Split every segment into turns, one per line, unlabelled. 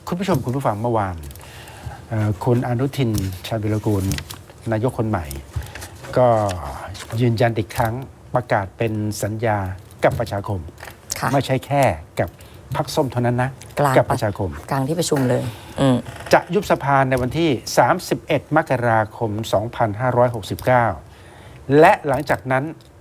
คุณผู้ชมคุณผู้ฟังเมื่อวานคุณอนุทินชาญวิรากูลนายกคนใหม่ก็ยืนยันอีกครั้งประกาศเป็นสัญญากับประชาคมไม่ใช่แค่กับพรรคส้มเท่านั้นนะกับประชาคม
กลางที่ประชุมเลย
จะยุบสภาในวันที่31 มกราคม 2569 และหลังจากนั้น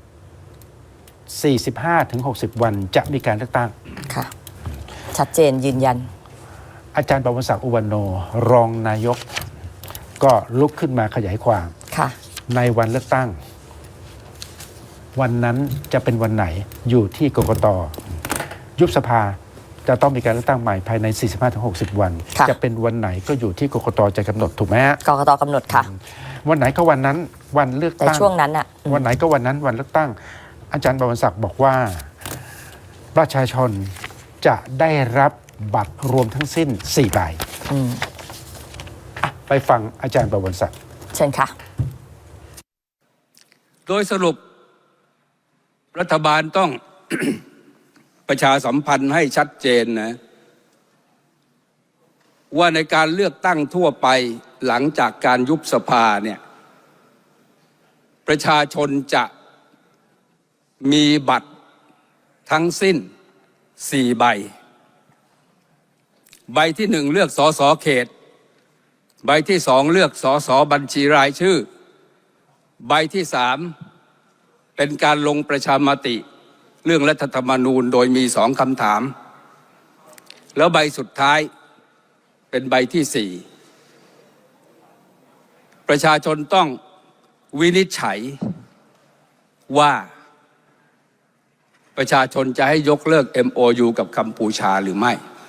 45-60 วันจะมีการเลือกตั้ง
ค่ะชัดเจนยืนยัน
อาจารย์ปวศักดิ์อุวันโนรองนายกก็ลุกขึ้นมาขยายความในวันเลือกตั้งวันนั้นจะเป็นวันไหนอยู่ที่กกต.ยุบสภาจะต้องมีการเลือกตั้งใหม่ภายใน 45-60 วันจะเป็นวันไหนก็อยู่ที่กกต.จะกำหนดถูกไหมฮะ
กกต.กำหนดค่ะ
วันไหนก็วันนั้นวันเลือกตั้ง
ช่วงนั้นอะ
วันไหนก็วันนั้นวันเลือกตั้งอาจารย์ปวศักดิ์บอกว่าประชาชนจะได้รับบัตรรวมทั้งสิ้น4 ใบไปฟังอาจารย์ปวศักดิ์
เชิญค่ะ
โดยสรุปรัฐบาลต้อง ประชาสัมพันธ์ให้ชัดเจนนะว่าในการเลือกตั้งทั่วไปหลังจากการยุบสภาเนี่ยประชาชนจะมีบัตรทั้งสิ้น4 ใบใบที่1เลือกสสเขตใบที่2เลือกสสบัญชีรายชื่อใบที่3เป็นการลงประชามติเรื่องรัฐธรรมนูญโดยมี2 คำถามแล้วใบสุดท้ายเป็นใบที่4ประชาชนต้องวินิจฉัยว่าประชาชนจะให้ยกเลิก MOU กับกัมพูชาหรือไม่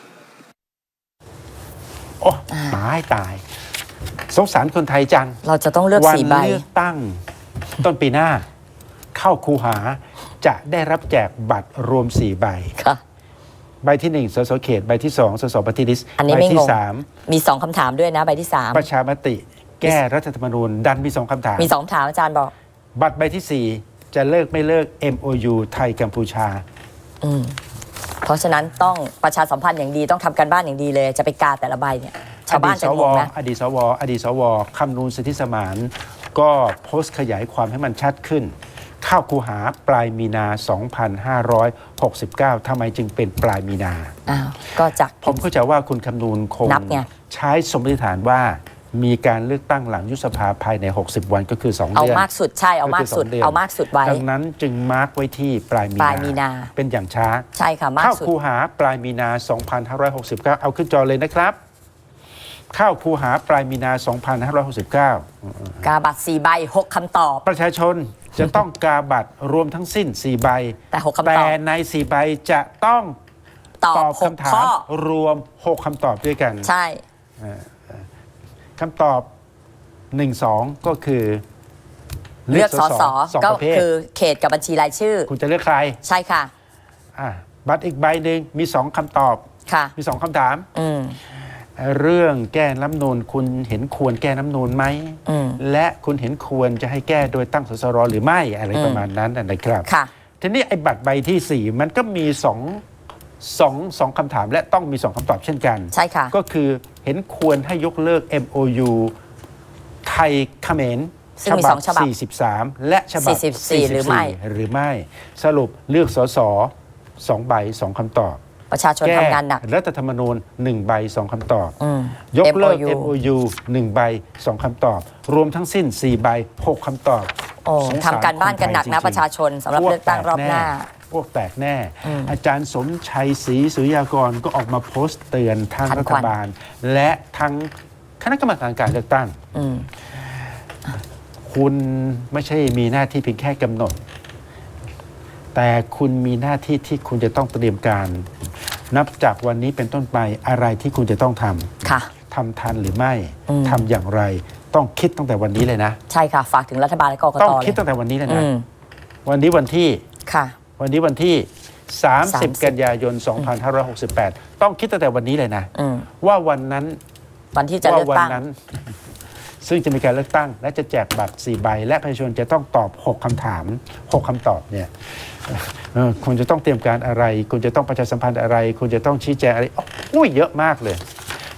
โอ้ตายสงสารคนไทยจัง
เราจะต้องเลือก4 ใบ
วันเลือกตั้งต้นปีหน้าเข้าคูหาจะได้รับแจกบัตรรวม4 ใบใบที่1สสเขตใบที่2สสปฏิริษีใบที่3
มี2 คำถามด้วยนะใบที่3
ประชามติแก้รัฐธรรมนูญดันมี2 คำถาม
มี2 คำถามอาจารย์บอก
บัตรใบที่4จะเลิกไม่เลิก MOU ไทยกัมพูชา
เพราะฉะนั้นต้องประชาสัมพันธ์อย่างดีต้องทำการบ้านอย่างดีเลยจะไปกาแต่ละใบเนี่ยชาวบ้านจะงงนะ
อดีตสวคำนูนสิทธิสมานก็โพสต์ขยายความให้มันชัดขึ้นเข้าคูหาปลายมีนา 2569ทำไมจึงเป็นปลายมีนา
ก็จาก
ผมเข้าใจว่าคุณคำนูนคงใช้สมมติฐานว่ามีการเลือกตั้งหลังยุบสภาภายใน60 วันก็คือ2 เดือน
เอามากสุดใช่เอามากสุดไว้
ดังนั้นจึงมาร์กไว้ที่ปลายมีนาเป็นอย่างช้า
ใช่ค่ะมากสุด
เข้าคูหาปลายมีนา 2569เอาขึ้นจอเลยนะครับเข้าคูหาปลายมีนา 2569
กาบัตร4 ใบ 6 คำตอบ
ประชาชนจะต้องกาบัตรรวมทั้งสิ้น4 ใบ
แต่6 คำตอบแต่
ใน4 ใบจะต้องตอบคำถามรวม6 คำตอบด้วยกัน
ใช่
คำตอบ 1-2 ก็คือ
เลือกสสก็คือเขตกับบัญชีรายชื่อ
คุณจะเลือกใคร
ใช่ค่ะ
บัตรอีกใบหนึ่งมี2 คำตอบมี2 คำถามเรื่องแก้รัฐธรรมนูญคุณเห็นควรแก้รัฐธรรมนูญไหมและคุณเห็นควรจะให้แก้โดยตั้งสสรหรือไม่อะไรประมาณนั้นนะครับทีนี้ไอ้บัตรใบที่4มันก็มี2 คำถามและต้องมี2 คำตอบเช่นกัน
ใช่ค่ะ
ก็คือเห็นควรให้ยกเลิก MOU ไทยเขมรฉบับ43และฉบับ44หรือไม่สรุปเลือกสส2 ใบ 2 คำตอบ
ประชาชนทำงานหนัก
รัฐธรรมนูญ1 ใบ 2 คำตอบยกเลิก MOU 1 ใบ 2 คำตอบรวมทั้งสิ้น4 ใบ 6 คำตอบ
ทำการบ้านกันหนักนะประชาชนสำหรับเลือกตั้งรอบหน้า
พวกแตกแน่อาจารย์สมชัยศรีสุริยากรก็ออกมาโพสต์เตือนทางรัฐบาลและทั้งคณะกรรมการการเลือกตั้งคุณไม่ใช่มีหน้าที่เพียงแค่กำหนดแต่คุณมีหน้าที่ที่คุณจะต้องเตรียมการนับจากวันนี้เป็นต้นไปอะไรที่คุณจะต้องทำทำทันหรือไม่ทำอย่างไรต้องคิดตั้งแต่วันนี้เลยนะ
ใช่ค่ะฝากถึงรัฐบาลและกกต
ต้องคิดตั้งแต่วันนี้เลยนะวันนี้วันที่30 กันยายน 2568ต้องคิดตั้งแต่วันนี้เลยนะว่าวัน
ที่จะเลือกตั้ง
ซึ่งจะมีการเลือกตั้งและจะแจกบัตร4 ใบและประชาชนจะต้องตอบ6 คำถาม6 คำตอบเนี่ยคุณจะต้องเตรียมการอะไรคุณจะต้องประชาสัมพันธ์อะไรคุณจะต้องชี้แจงอะไรเยอะมากเลย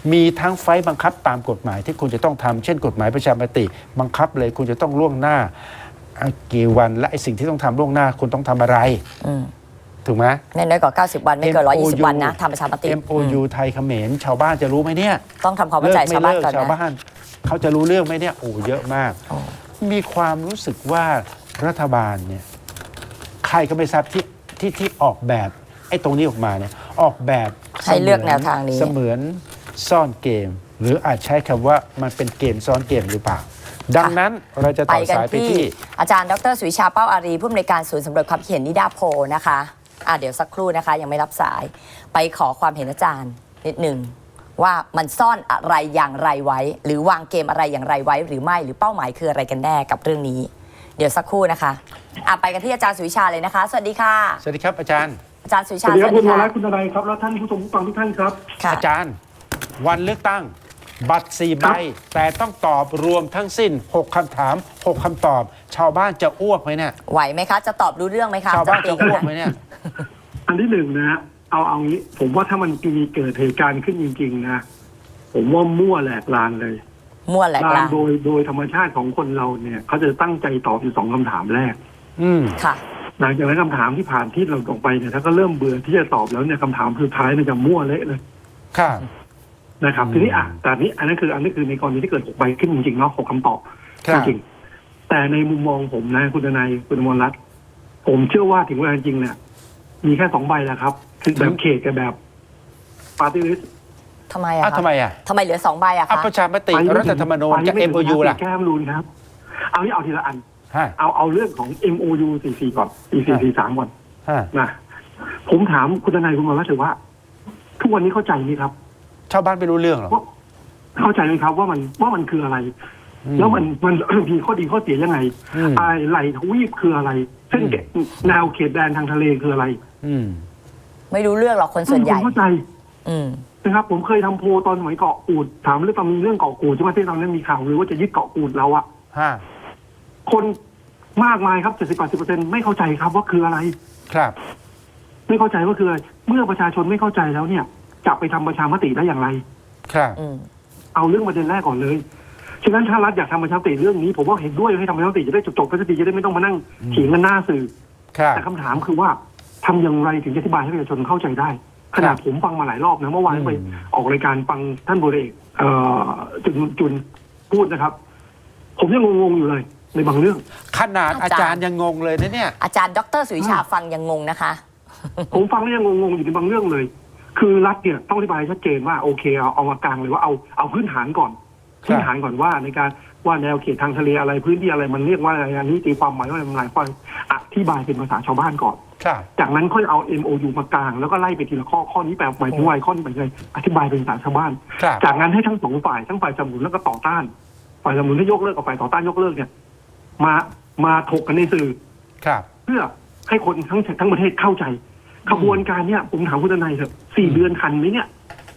มีทั้งไฟล์บังคับตามกฎหมายที่คุณจะต้องทำเช่นกฎหมายประชามติบังคับเลยคุณจะต้องล่วงหน้ากี่วันและไอ้สิ่งที่ต้องทำล่วงหน้าคุณต้องทำอะไรถูกไหม
ไม่น้อยกว่า90 วันไม่เกิน120 วันนะทำประชามติ
MOU ไทยเขมรชาวบ้านจะรู้ไหมเนี่ย
ต้องทำความเข้าใจชาวบ้านก่อน
ชาว
นะ
บ้านเขาจะรู้เรื่องไหมเนี่ยโอ้เยอะมาก มีความรู้สึกว่ารัฐบาลเนี่ยใครก็ไม่ทราบที่ออกแบบไอ้ตรงนี้ออกมาเนี่ยออกแบบ
ให้เลือกแนวทางนี้
เสมือนซ่อนเกม หรืออาจใช้คำว่ามันเป็นเกมซ้อนเกมหรือเปล่า ดังนั้นเราจะต่อสายไปที่
อาจารย์ดรสุวิชาเป้าอารีผู้อำนวยการศูนย์สำรวจความคิดเห็นนิดาโพลนะคะเดี๋ยวสักครู่นะคะยังไม่รับสายไปขอความเห็นอาจารย์นิดหนึ่งว่ามันซ่อนอะไรอย่างไรไว้ หรือวางเกมอะไรอย่างไรไว้หรือไม่หรือเป้าหมายคืออะไรกันแน่กับเรื่องนี้ เดี๋ยวสักครู่นะคะไปกันที่อาจารย์สุวิชาเลยนะคะสวัสดีค่ะ
สวัสดีครับอาจารย์
อาจารย์สุวิชา
สวัสดีครับคุณว
ค่ะ
รัตน์คุณทนายครับแล้วท่านผู้ชมผู้ฟังทุกท่านครับ
ค่ะ
อาจารย์วันเลือกตั้งบัตร4 ใบ แต่ต้องตอบรวมทั้งสิ้น 6 คำถาม 6 คำตอบ ชาวบ้านจะอ้วกไหมเนี่ย
ไหวไหมคะจะตอบรู้เรื่องไหมคะ
ชาวบ้านจะอ้วกไหมเนี่ย
อันที่หนึ่งนะฮะเอางี้ ผมว่าถ้ามันมีเกิดเหตุการณ์ขึ้นจริงๆนะผมว่ามั่วแหลกลานเลย
มั่วแหลกลาน
โดยธรรมชาติของคนเราเนี่ยเขาจะตั้งใจตอบอยู่2 คำถามแรก
ค่ะ
หลังจากนั้นคำถามที่ผ่านที่เราออกไปเนี่ยถ้าก็เริ่มเบื่อที่จะตอบแล้วเนี่ยคำถามสุดท้ายมันจะมั่วเละเลย
ค่ะ
นะครับทีนี้แต่นี้อันนี้คือในกรณีที่เกิด6 ใบขึ้นจริงๆเนาะ6 คำตอบ
ครั
จ
บ
ริงๆแต่ในมุมมองผมนะคุณทนายคุณอมรรัตน์ผมเชื่อว่าถึงเวลาจริงเนี่ยมีแค่2 ใบแหละครับคือแบบเขตกับแบบปาร์ตี้ลิสต์
ทำไมอะคะ
ทำไมอ่ะ
ทำไมเหลือ2 ใบอะคะ
ประชามติรัฐธรรมนูญกับ MOU ล่ะ
แก้มนูนครับเอาทีละอัน
ฮะ
เอาเรื่องของ MOU 44ก่อน4443ก่อน
ฮะ
นะผมถามคุณทนายคุณอมรรัตน์เถอะว่า ทุกวันนี้เข้าใจไหมครับ
ชาวบ้านไม่รู้เรื่องหรอ
ว่าเข้าใจไหมครับว่ามันคืออะไร แล้วมันมีข้อดีข้อเสียยังไงไหลทวีปคืออะไรเส้นแนวเขตแดนทางทะเลคืออะไร
ไม่รู้เรื่องหรอกคนส่วนใหญ่
ผมเข้าใจ
อืม
นะครับ ผมเคยทำโพลตอนสมัยเกาะกูดถามเรื่องตอนมีเรื่องเกาะกูดใช่ไหมที่ตอนนั้นมีข่าวหรือว่าจะยึดเกาะกูดเราอะ
ฮะ
คนมากมายครับ70-80%ไม่เข้าใจครับว่าคืออะไร
ครับ
ไม่เข้าใจว่าคืออะไรเมื่อประชาชนไม่เข้าใจแล้วเนี่ยจะไปทำประชามติได้อย่างไร
ครับ
เอาเรื่องประเด็นแรกก่อนเลยฉะนั้นถ้ารัฐอยากทำประชามติเรื่องนี้ผมว่าเห็นด้วยให้ทำประชามติจะได้จบๆกันสักทีจะได้ไม่ต้องมานั่งเถียงกันหน้าสื่อ
ครับ
แต่คำถามคือว่าทำอย่างไรถึงจะอธิบายให้ประชาชนเข้าใจได้ขนาดผมฟังมาหลายรอบนะเมื่อวานไปออกรายการฟังท่านพลเอกจุนพูดนะครับ ผมยังงงๆอยู่เลยในบางเรื่อง
ขนาดอาจารย์ยังงงเลยนะเนี่ย
อาจารย์ดรสุวิชาฟังยังงงนะคะ
ผมฟังแล้วยังงงๆอยู่ในบางเรื่องเลย คือรัฐเนี่ยต้องอธิบายชัดเจนว่าโอเคเอามากลางเลยว่าเอาพื้นฐานก่อนพื้นฐานก่อนว่าในการว่าแนวเขตทางทะเลอะไรพื้นที่อะไรมันเรียกว่าอะไรอันนี้ตีความหมายว่ามันหลายความอธิบายเป็นภาษาชาวบ้านก่อน
ครับ
จากนั้นค่อยเอา MOU มากลางแล้วก็ไล่ไปทีละข้อนี้แปลหมายถึงว่าข้อนี้หมายถึงอะไรอธิบายเป็นภาษาชาวบ้าน
ครับ
จากนั้นให้ทั้ง2 ฝ่ายทั้งฝ่ายสนับสนุนแล้วก็ต่อต้านฝ่ายสนับสนุนให้ยกเลิกกับฝ่ายต่อต้านยกเลิกเนี่ยมาถกกันในสื่อ
ครับ
เพื่อให้คนทั้งประเทศเข้าใจขบวนการเนี่ยผมถามคุณทนายเถอะ4 เดือนทันไหมเนี่ย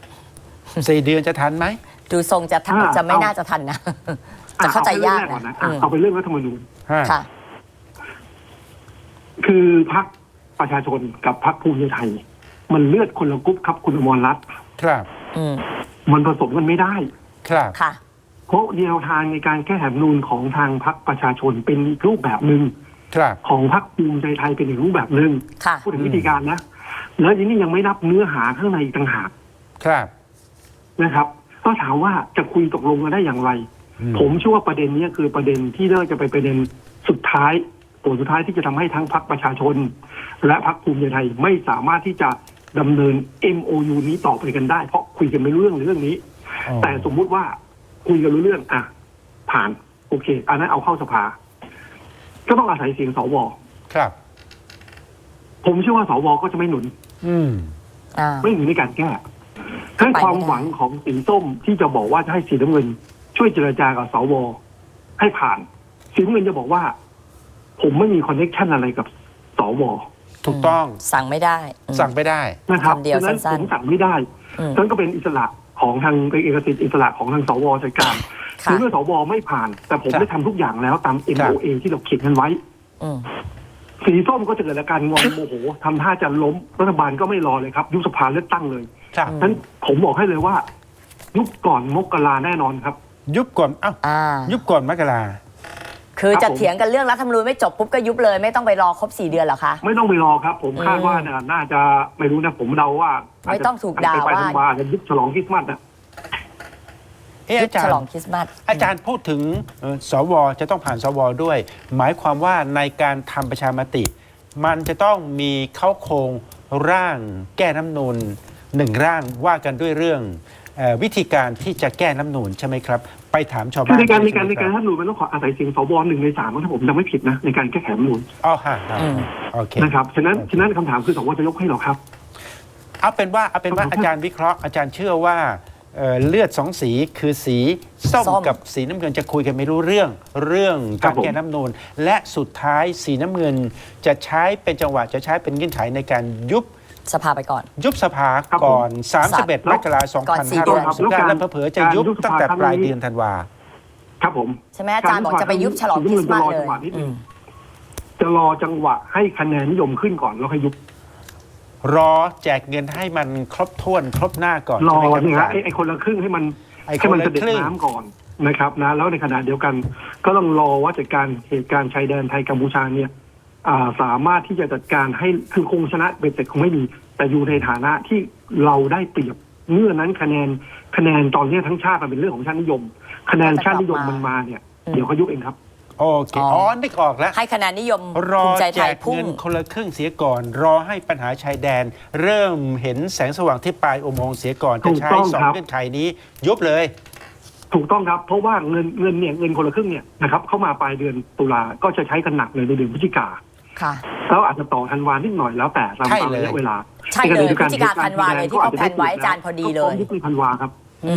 4 เดือนจะทันไหม
ดูทรงจะไม่น่าจะทันนะ จะเข้าใจยาก
เอาไปเรื่องรัฐธรรมนูญ
ค่ะ
คือพรรคประชาชนกับพรรคภูมิใจไทย มันเลือดคนละกรุ๊ปครับคุณอมรรัตน์
ครับ
มันผสมกันไม่ได้
ครับ
ค่ะ
เพราะแนวทางในการแก้รัฐธรรมนูญของทางพรรคประชาชนเป็นอีกรูปแบบหนึ่ง
ครับ
ของพรรคภูมิใจไทยเป็นอีกรูปแบบหนึ่ง
ค่ะ
พูดถึงวิธีการนะแล้วทีนี้ยังไม่นับเนื้อหาข้างในอีกต่างหาก
ครับ
นะครับก็ถามว่าจะคุยตกลงกันได้อย่างไร ผมเชื่อว่าประเด็นนี้คือประเด็นที่น่าจะไปประเด็นสุดท้ายตัวสุดท้ายที่จะทำให้ทั้งพรรคประชาชน และพรรคภูมิใจไทยไม่สามารถที่จะดำเนิน MOU นี้ต่อไปกันได้เพราะคุยกันไม่รู้เรื่องนี้ แต่สมมุติว่าคุยกันรู้เรื่องผ่านโอเคอันนั้นเอาเข้าสภาก็ต้องอาศัยเสียงสว
ครับ
ผมเชื่อว่าสวก็จะไม่หนุน ไม่หนุนในการแก้ทั้งความหวังของสีส้มที่จะบอกว่าจะให้สีน้ำเงินช่วยเจรจากับสวให้ผ่านสีน้ำเงินจะบอกว่า ผมไม่มีคอนเนคชั่นอะไรกับสว
ถูกต้อง
สั่งไม่ได้
สั่งไม่ได้
นะครับ
คำเดียว
ฉะนั้น
สั้
ผ
น
มสั่งไม่ได้นั่นก็เป็นอิสระของทางเอกสิทธิ์อิสระของทางสวจัดการ
ค่ะ
คือเมื่อสวไม่ผ่าน แต่ผม
ครับ
ได้ทำทุกอย่างแล้วตาม MOA ที่เราเขียนกันไว้ สีส้มก็จะเกิดอาการงอนโมโหทำท่าจะล้มรัฐบาลก็ไม่รอเลยครับยุบสภาเลือกตั้งเลย
ครับ
ฉะนั้นผมบอกให้เลยว่ายุบก่อนมกราแน่นอนครับ
ยุบก่อนยุบก่อนมกรา
คือ
ครั
จะ
บผม
เถียงกันเรื่องรัฐธรรมนูญไม่จบปุ๊บก็ยุบเลยไม่ต้องไปรอครบ4 เดือนเหรอคะ
ไม่ต้องไปรอครับ ผมคาดว่าน่าจะไม่รู้นะผมเดาว่า
ไม่ต้องถูกด่า
ไป
ว่า
ธันวาจะยุบฉลองคริสต์มาสนะ
ยุ
อา
บ
จาร
ฉ
ย์
ลองคริสต์มาส
อาจารย์พูดถึงสวจะต้องผ่านสวด้วย หมายความว่าในการทำประชามติ มันจะต้องมีเข้าโครงร่างแก้รัฐธรรมนูญ1 ร่างว่ากันด้วยเรื่องวิธีการที่จะแก้รัฐธรรมนูญใช่ไหมครับ ไปถามชาว
คือ
บ้าน
ในการ
ใช่ไหม
รัฐธรรมนูญมันต้องขออาศัยเสียงสว1 ใน 3ถ้าผมจำไม่ผิดนะในการแก้ไขรัฐธรรมนูญ
อ๋อฮะโอเค
นะครับฉะนั้นคำถามคือสวจะยกให้หรอครับ
เอาเป็นว่าอาจารย์วิเคราะห์อาจารย์เชื่อว่าเลือด2 สีคือสีส้มกับสีน้ำเงินจะคุยกันไม่รู้เรื่องการแก้รัฐธรรมนูญและสุดท้ายสีน้ำเงินจะใช้เป็นจังหวะจะใช้เป็นเงื่อนไขในการยุบ
สภาไปก่อน
ยุบสภา
ครับ
ก่อน
ผม
31 มกราคม
ก่อน4 เดือน
2569และเผลอๆจะยุบตั้งแต่ปลายเดือนธันวา
ครับผม
ใช่ไหมอาจารย์บอกจะไปยุบฉลองคริสต์มาสเลย
จะรอจังหวะให้คะแนนนิยมขึ้นก่อนแล้วค่อยยุบ
รอแจกเงินให้มันครบถ้วนครบหน้าก่อน
รอ
ใช่ไหมครับ
เนี่ย
อา
ฮะ
จารย์
ไอ้คนละครึ่งให้มัน
ไอ้
ให้
คน
มัน
ละ
เสด็จ
ครึ่ง
น้ำก่อนนะครับนะแล้วในขณะเดียวกัน ก็ต้องรอว่าจัดการเหตุการณ์ชายแดนไทยกัมพูชาเนี่ยสามารถที่จะจัดการให้คือคงชนะเบ็ดเสร็จคงไม่มีแต่อยู่ในฐานะที่เราได้เปรียบเมื่อนั้นคะแนนตอนนี้ทั้งชาติมันเป็นเรื่องของชาตินิยม คะแนนชาตินิยมมันมาเนี่ยเดี๋ยวเขายุบเองครับ
โอเคนึกออกแล้ว
ให้คะแนนนิยม
รอ
ภูมิใจ
แจ
ไทย
ก
พุ่ง
เงินคนละครึ่งเสียก่อน รอให้ปัญหาชายแดน เริ่มเห็นแสงสว่างที่ปลายอุโมงค์เสียก่อนจะใช้
ถูกต้อง
สอง
ครับ
เงื่อนไขนี้ ยุบเลย
ถูกต้องครับเพราะว่าเงินคนละครึ่งเนี่ยนะครับเข้ามาปลายเดือนตุลาก็จะใช้กันหนักเลยในเดือนพฤศจิกา
ค่ะ
แล้วอาจจะต่อธันวานิดหน่อยแล้วแต่ตาม
ใช่เลย
ระยะเวลา
ใช่เลยพฤศจิกาธันวาเลยที่เขาแพลนไว้อาจารย์พอดีเลย
ยุบในธันวาครับ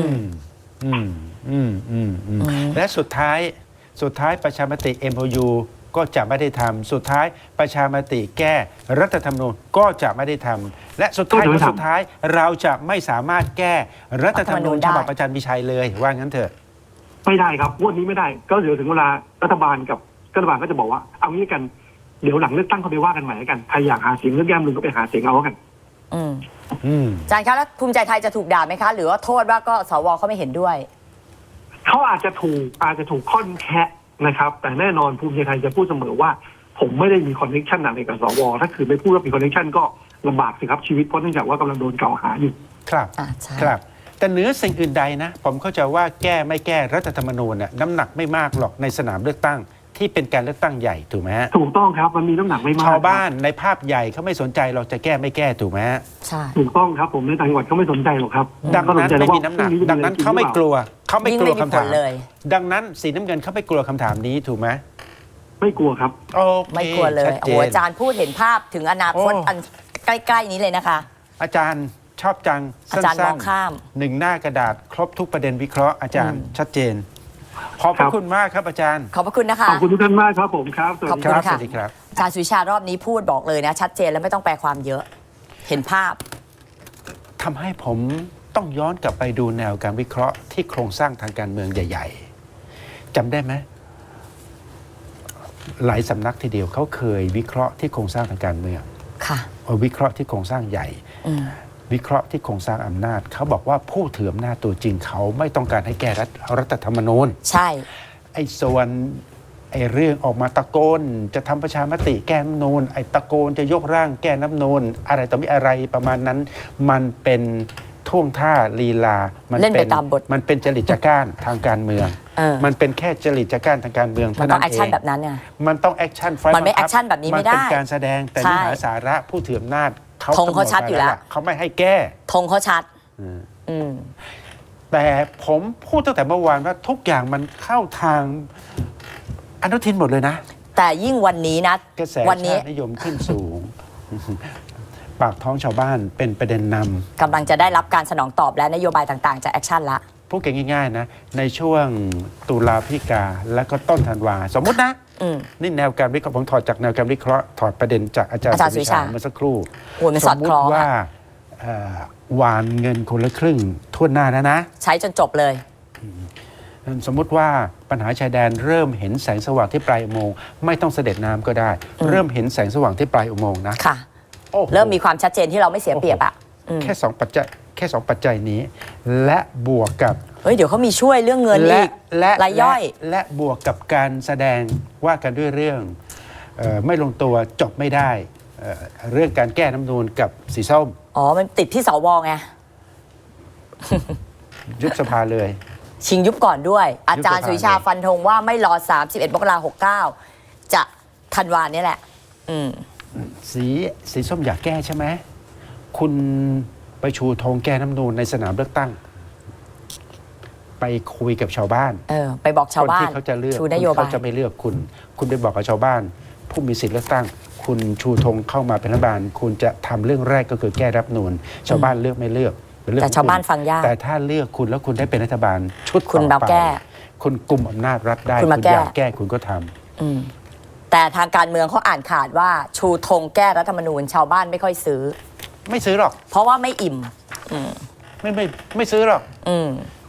และสุดท้ายประชามติ MOU ก็จะไม่ได้ทำสุดท้ายประชามติแก้รัฐธรรมนูญก็จะไม่ได้ทำและสุดท้าย
ก็จะไม่ทำ
สุดท้ายเราจะไม่สามารถแก้รัฐธรรมนูญ
ได้
ฉบับอาจารย์มีชัยเลยว่างั้นเถอะ
ไม่ได้ครับงวดนี้ไม่ได้ ก็เดี๋ยวถึงเวลารัฐบาลก็จะบอกว่าเอางี้กันเดี๋ยวหลังเลือกตั้งเขาไปว่ากันใหม่แล้วกันใครอยากหาเสียงเลือกย่ำลึงก็ไปหาเสียงเอาแล้วกัน
อาจารย์คะแล้วภูมิใจไทยจะถูกด่าไหมคะ หรือว่าโทษว่าก็สวเขาไม่เห็นด้วย
เขาอาจจะถูกค่อนแคะนะครับ แต่แน่นอนภูมิใจไทยจะพูดเสมอว่า ผมไม่ได้มีคอนเนคชั่นอะไรกับสวถ้าคือไม่พูดว่ามีคอนเนคชั่นก็ลำบากสิครับชีวิตเพราะเนื่องจากว่ากำลังโดนกล่าวหาอยู่
ครับ
ใช่
ครับ แต่เหนือสิ่งอื่นใดนะ ผมเข้าใจว่าแก้ไม่แก้รัฐธรรมนูญน่ะน้ำหนักไม่มากหรอกในสนามเลือกตั้งที่เป็นการเลือกตั้งใหญ่ถูกไหมฮะ
ถูกต้องครับมันมีน้ำหนักไม่มาก
ชาวบ้านในภาพใหญ่เขาไม่สนใจเราจะแก้ไม่แก้ถูกไหมฮะ
ใช่
ถูกต้องครับผมในต่างจังหวัดเขาไม่สนใจหรอกครับ
ดังนั้นไม่มีน้ำหนัก ดังนั้นเขาไม่กลัวเขาไม่
ยิ่ง
กลั
ไม่
ว
มี
คำ
ผ
ถา
ล
ม
เลย
ดังนั้นสีน้ำเงินเขาไม่กลัวคำถามนี้ถูกไหม
ไม่กลัวครับ
โอเค
ไม่กลัวเลย
ชัด
โอ้
เจ
โห
น
อาจารย์พูดเห็นภาพถึงอนาคต
โอ้
อันใกล้ๆนี้เลยนะคะ
อาจารย์ชอบจัง
อาจารย์มองข้าม
หนึ่งหน้ากระดาษครบทุกประเด็นวิเคราะห์อาจารย์ชัดเจน ขอบพ
ครั
ระ
บ
คุณมากครับอาจารย์
ขอบพระคุณนะคะ
ขอบคุณทุกท่านมากครับผมครับสวัสดี
ขอบ
ค
คุ
รั
ณ
บ
ส
ค่ะ
วัสดีครับ
อาจารย์สุวิชารอบนี้พูดบอกเลยนะ ชัดเจนแล้วไม่ต้องแปลความเยอะ เห็นภาพ
ทำให้ผมต้องย้อนกลับไปดูแนวการวิเคราะห์ที่โครงสร้างทางการเมืองใหญ่ ๆจำได้ไหมหลายสำนักทีเดียวเขาเคยวิเคราะห์ที่โครงสร้างทางการเมือง
ค่ะ
วิเคราะห์ที่โครงสร้างใหญ่ วิเคราะห์ที่โครงสร้างอำนาจเขาบอกว่าผู้ถืออำนาจตัวจริงเขาไม่ต้องการให้แก้รัฐธรรมนูญ
ใช่
ไอ้ส่วนไอ้เรื่องออกมาตะโกนจะทำประชามติแก้รัฐธรรมนูญไอ้ตะโกนจะยกร่างแก้รัฐธรรมนูญอะไรต่อมีอะไรประมาณนั้น มันเป็นท่วงท่าลีลา มั
เล่นไปตามบท
มันเป็นจริตจักร้านทางการเมือง มันเป็นแค่จริตจักร้านทางการเมือง
มัน
เท่า
ต้อ
นั้
ง
น
แอค
เอ
ชั่น
ง
แบบนั้นเนี่ย
มันต้องแอคชั่นไฟ
มันไม่ action แบบนี้ไม่ได้
มันเป็นการแสดงแต่
ใช่
เนื้อหาสาระผู้ถืออำนาจเขา
ธงเขาชัดอยู่แล้ว
เขาไม่ให้แก้
ธงเขาชัด
แต่ผมพูดตั้งแต่เมื่อวานว่าทุกอย่างมันเข้าทางอนุทินหมดเลยนะ
แต่ยิ่งวันนี้นะ
กระแส
วันนี้
ชาตินิยมขึ้นสูง ปากท้องชาวบ้านเป็นประเด็นน
กำลังจะได้รับการสนองตอบและนโยบายต่างๆ จากแอคชั่นละ
ำพูดกันง่ายๆนะ ในช่วงตุลาพฤศจิกาและก็ต้นธันวา สมมุตินะ นี่แนวการวิเคราะห์ผมถอดจากแนวการวิเคราะห์ถอดประเด็นจากอาจารย์
อาจารย์
สุวิชา
สุวิชา
เมื่อสักครู่
โอ้ยมัน
ส
สอ
ม
ด
มุ
คล้
ติ
อง
ว่า
อะ
หวานเงินคนละครึ่งทั่วหน้าแล้วนะ
ใช้จนจบเลย
สมมุติว่าปัญหาชายแดนเริ่มเห็นแสงสว่างที่ปลายอุโมงค์ไม่ต้องเสด็จน้ำก็ได้ เริ่มเห็นแสงสว่างที่ปลายอุโมงค์นะ
ค่ะ
โอ้โห
เริ่มมีความชัดเจนที่เราไม่เสียเปรียบอ่ะ
แค่สองปัจจัยแค่สองปัจจัยนี้ และบวกกับ
เฮ้ยเดี๋ยวเขามีช่วยเรื่องเงินอีกรายย่อย
และบวกกับการแสดงว่ากันด้วยเรื่องไม่ลงตัวจบไม่ได้เรื่องการแก้รัฐธรรมนูญกับสีส้ม
อ๋อมันติดที่สวไง
ยุบสภาเลย
ชิงยุบก่อนด้วย อาจารย์
ยุบสภา
สุวิชาฟันธงว่าไม่รอ 31 มกราคม 69 จะธันวานี่แหละ
สีส้มอยากแก้ใช่ไหมคุณไปชูธงแก้รัฐธรรมนูญในสนามเลือกตั้ง ไปคุยกับชาวบ้าน
ไปบอกชาวบ้าน
คนที่เขาจะเลือก
ชูนโยบาย
เขาจะไม่เลือกคุณ คุณไปบอกกับชาวบ้าน ผู้มีสิทธิ์เลือกตั้ง คุณชูธงเข้ามาเป็นรัฐบาล คุณจะทำเรื่องแรกก็คือแก้รัฐธรรมนูญชาวบ้านเลือกไม่เลือกเป็นเรื่อง
แต่
ของ
ชาวบ้าน
คุณ
ฟังยาก
แต่ถ้าเลือกคุณแล้วคุณได้เป็นรัฐบาลชุด
คุณ
ต่อ
มา
ไป
แก้
คุณกุมอำนาจรัฐได้
คุณมา
อยาก
แก้
แก้คุณก็ทำ
แต่ทางการเมืองเขาอ่านขาดว่าชูธงแก้รัฐธรรมนูญชาวบ้านไม่ค่อยซื้อ
ไม่ซื้อหรอก
เพราะว่าไม่อิ่ม
ไม่ซื้อหรอก
อืม